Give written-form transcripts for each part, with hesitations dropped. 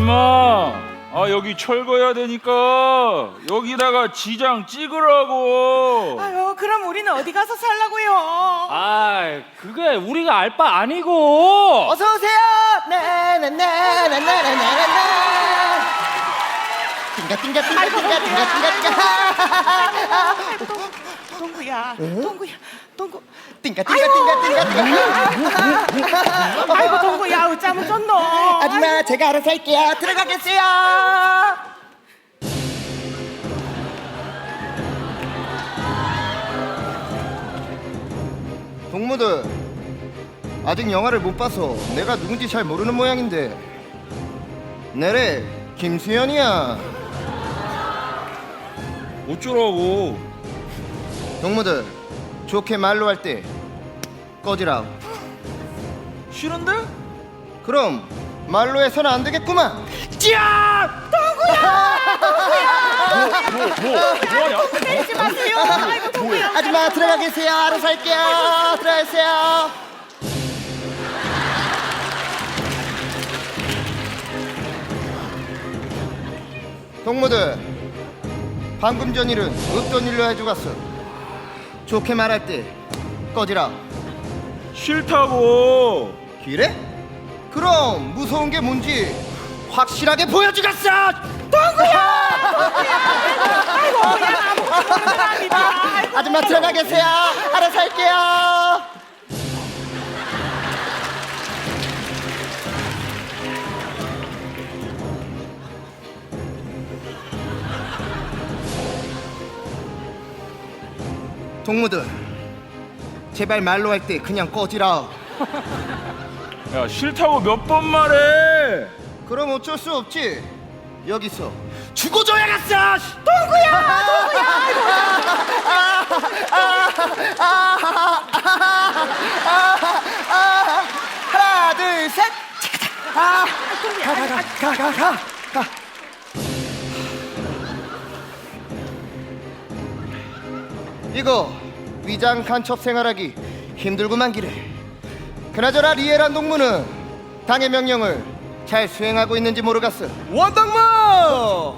임마. 여기 철거해야 되니까 여기다가 지장 찍으라고. 아유, 그럼 우리는 어디 가서 살라고요? 그게 우리가 알 바 아니고. 어서 오세요. 나나나나나나나나. 띵가띵가띵가띵가띵가띵가띵가. 동구야, 동구. 띵가띵가띵가띵가. 아이고, 동구야, 어쩌면 좋노? 아줌마 제가 알아서 할게요. 들어가겠어요. 동무들 아직 영화를 못 봐서 내가 누군지 잘 모르는 모양인데 내래 김수현이야. 어쩌라고. 동무들 좋게 말로 할 때 꺼지라. 싫은데? 그럼 말로 해서는 안 되겠구만. 뭐하냐? 때리지 마세요. 아이고, 동구야. 아줌마 들어가 계세요. 알아서 할게요. 들어가세요. 동무들 방금 전 일은 없던 일로 해주고 갔어. 좋게 말할 때 꺼지라. 싫다고. 그래? 그럼 무서운 게 뭔지 확실하게 보여주겠어. 아이고, 그냥 아무것도 모르는 사람이다. 아이고, 아줌마 들어가 계세요. 알아서 할게요. 동무들 제발 말로 할 때 그냥 꺼지라. 야, 싫다고 몇 번 말해. 그럼 어쩔 수 없지. 여기서 죽어줘야겠어. 하나 둘 셋. 가. 이거 위장 간첩 생활하기 힘들구만 기래. 그나저나 리에란 동무는 당의 명령을 잘 수행하고 있는지 모르겠어. 원동무!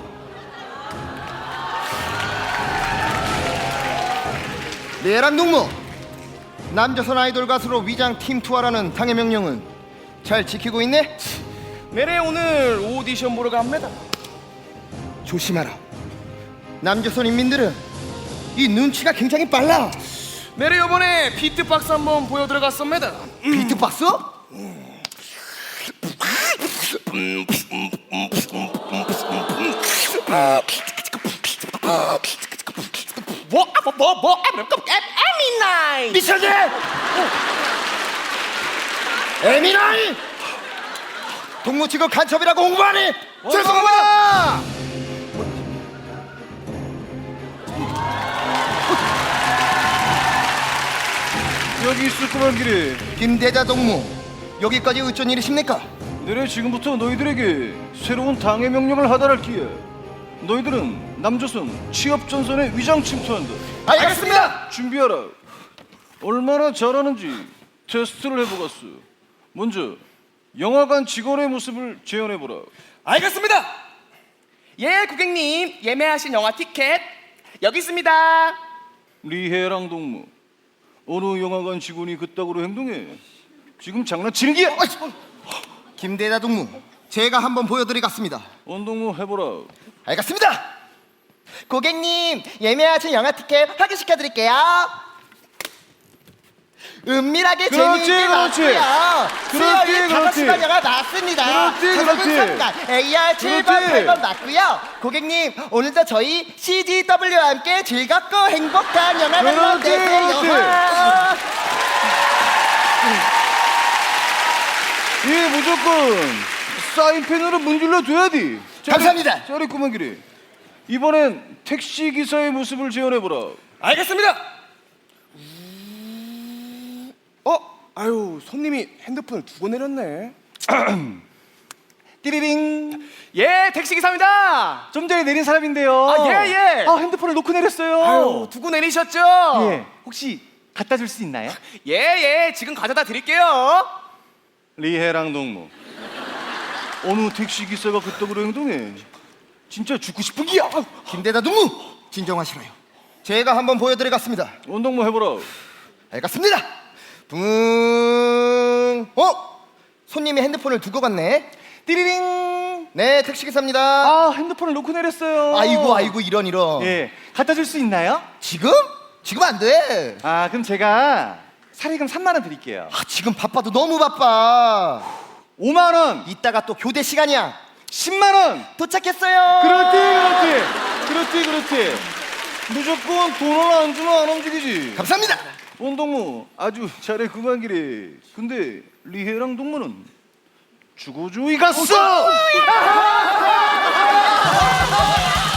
리에란 동무, 남조선 아이돌 가수로 위장 팀 투하라는 당의 명령은 잘 지키고 있네? 내래 오늘 오디션 보러 갑니다. 조심하라. 남조선 인민들은 이 눈치가 굉장히 빨라. 내래 요번에 비트박스 한번 보여 들어갔습니다. 비트박스? 에미나이. 미쳐지! 에미나이! 동무 직업 간첩이라고 홍보하니? 죄송합니다! 여기 있었구만 길에. 김대자 동무, 여기까지 어쩐 일이십니까? 내래 지금부터 너희들에게 새로운 당의 명령을 하달할기에 너희들은 남조선 취업전선에 위장 침투한다. 알겠습니다! 준비하라. 얼마나 잘하는지 테스트를 해보겠어. 먼저 영화관 직원의 모습을 재현해보라. 알겠습니다. 예, 고객님 예매하신 영화 티켓 여기 있습니다. 리해랑 동무, 어느 영화관 직원이 그따구로 행동해? 지금 장난치는 기야? 김대자 동무, 제가 한번 보여드리겠습니다. 원동무 해보라. 알겠습니다! 고객님, 예매하신 영화 티켓 확인시켜드릴게요. 은밀하게 그렇지, 재미있게 그렇지. 나왔고요. 그렇지, 수요일 그렇지. 5시간 영화 나왔습니다. 그렇지, 그렇지. AR 7번, 그렇지. 8번 맞고요. 고객님, 오늘도 저희 CGW와 함께 즐겁고 행복한 영화를 그렇지, 되세요. 그렇지. 예, 무조건 사인펜으로 문질러 둬야 돼. 감사합니다. 잘했구만 길이. 이번엔 택시 기사의 모습을 재현해보라. 알겠습니다. 아유, 손님이 핸드폰을 두고 내렸네. 띠리링. 예, 택시 기사입니다. 좀 전에 내린 사람인데요. 예. 핸드폰을 놓고 내렸어요. 아유, 두고 내리셨죠? 예. 혹시 갖다 줄 수 있나요? 예, 지금 가져다 드릴게요. 리해랑 동무. 어느 택시 기사가 그따구로 행동해? 진짜 죽고 싶은 기야. 김대다 동무 진정하시라요. 제가 한번 보여드리겠습니다. 원동무 해보라. 알겠습니다. 붕. 손님이 핸드폰을 두고 갔네. 띠리링. 네, 택시기사입니다. 아, 핸드폰을 놓고 내렸어요. 아이고 이런. 예, 갖다 줄 수 있나요? 지금? 지금 안 돼. 아, 그럼 제가 사례금 3만 원 드릴게요. 지금 바빠도 너무 바빠. 5만 원. 이따가 또 교대 시간이야. 10만 원. 도착했어요. 그렇지. 무조건 돈을 안 주면 안 움직이지. 감사합니다. 원동무 아주 잘해 그만 기래. 근데 리해랑 동무는 죽어주의 갔어.